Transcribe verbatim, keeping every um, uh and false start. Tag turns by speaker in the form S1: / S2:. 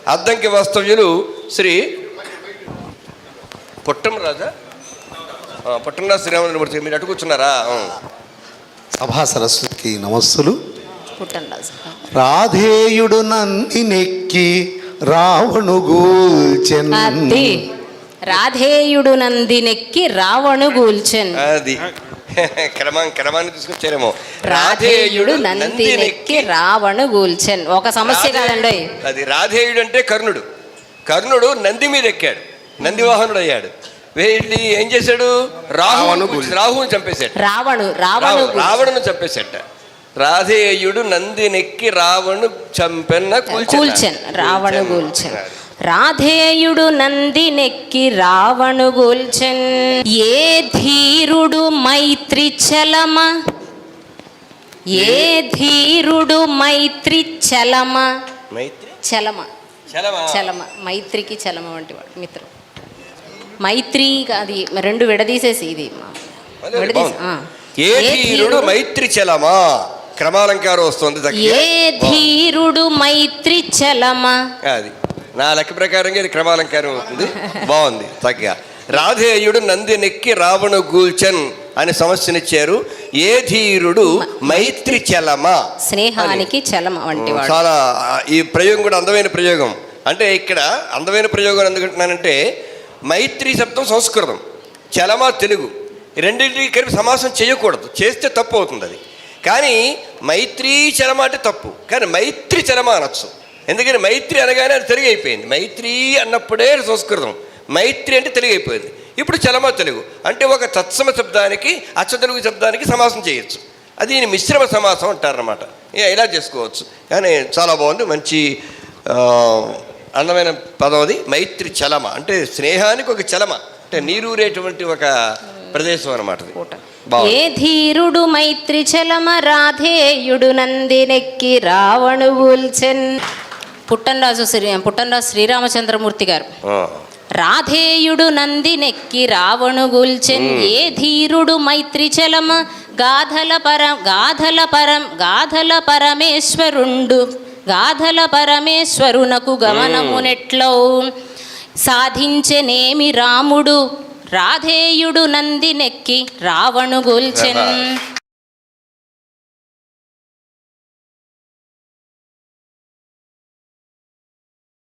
S1: అద్దంకి వాస్తవ్యులు శ్రీ పుట్టం రాజా పుట్టంరాజు శ్రీరామచంద్రమూర్తి. మీరు అటు కూర్చున్నారా?
S2: సభా సరస్వతికి నమస్సులు.
S3: పుట్టంరాజు
S2: రాధేయుడు నంది నెక్కి రావణు గూల్చెన్.
S3: రాధేయుడు నందినెక్కి రావణు గూల్చెన్.
S1: అది క్రమాన్ని క్రమాన్ని తీసుకొచ్చారేమో.
S3: రాధేయుడు నందినెక్కి రావణు గూల్చెన్. ఒక సమస్య కాదండి
S1: అది. రాధేయుడు అంటే కర్ణుడు. కర్ణుడు నంది మీద ఎక్కాడు, నంది వాహనుడు అయ్యాడు. వెళ్ళి ఏం చేశాడు? రాహును రాహుని చంపేశాడు.
S3: రావణు రావణు
S1: రావణును చంపేశాట. రాధేయుడు నందినెక్కి రావణు చంపెన్న
S3: కూల్చెన్. రావణు గూల్చెన్. రాధేయుడు నందినెక్కి రావణు గూల్చెన్. ఏ ధీరుడు మైత్రి చలమ, ఏ ధీరుడు మైత్రి చలమ.
S1: మైత్రి
S3: చలమ చలమ మైత్రికి చలమ వంటి వాడు మిత్రుడు. మైత్రి అది రెండు విడదీసేసి ఇది
S1: ఏ ధీరుడు మైత్రి చలమా. క్రమాలంకారం వస్తుంది.
S3: ఏ ధీరుడు మైత్రి చలమా.
S1: అది నా లెక్క ప్రకారంగా ఇది క్రమాలంకారం అవుతుంది. బాగుంది చక్కగా. రాధేయుడు నందినెక్కి రావణు గూల్చెన్ అని సమస్యనిచ్చారు. ఏ ధీరుడు మైత్రి చలమా,
S3: స్నేహానికి చలమ వంటి వాడు.
S1: చాలా ఈ ప్రయోగం కూడా అందమైన ప్రయోగం. అంటే ఇక్కడ అందమైన ప్రయోగం ఎందుకంటున్నానంటే మైత్రి శబ్దం సంస్కృతం, చలమ తెలుగు. రెండింటికి కలిపి సమాసం చేయకూడదు, చేస్తే తప్పు అవుతుంది అది. కానీ మైత్రీ చలమ అంటే తప్పు, కానీ మైత్రి చలమ అనొచ్చు. ఎందుకని మైత్రి అనగానే అది తెలుగు అయిపోయింది. మైత్రి అన్నప్పుడే సంస్కృతం, మైత్రి అంటే తెలుగు అయిపోయింది. ఇప్పుడు చలమ తెలుగు. అంటే ఒక తత్సమ శబ్దానికి అచ్చ తెలుగు శబ్దానికి సమాసం చేయొచ్చు. అది మిశ్రమ సమాసం అంటారనమాట. ఇలా చేసుకోవచ్చు. కానీ చాలా బాగుంది, మంచి అందమైన పదం అది. మైత్రి చలమ అంటే స్నేహానికి ఒక చలమ, అంటే నీరూరేటువంటి ఒక ప్రదేశం అనమాట.
S3: ఏ ధీరుడు మైత్రి చలమ రాధేయుడు నందినెక్కి రావణు గూల్చెన్. పుట్టంరాజు శ్రీ పుట్టంరాజు శ్రీరామచంద్రమూర్తి గారు. రాధేయుడు నందినెక్కి రావణు గూల్చెన్. ఏ ధీరుడు మైత్రి చలమ గాధల పరం గాధల పరం గాధల పరమేశ్వరుండు గాధల పరమేశ్వరునకు గమనమునెట్లో సాధించెనేమి రాముడు రాధేయుడు నందినెక్కి రావణు గూల్చెన్.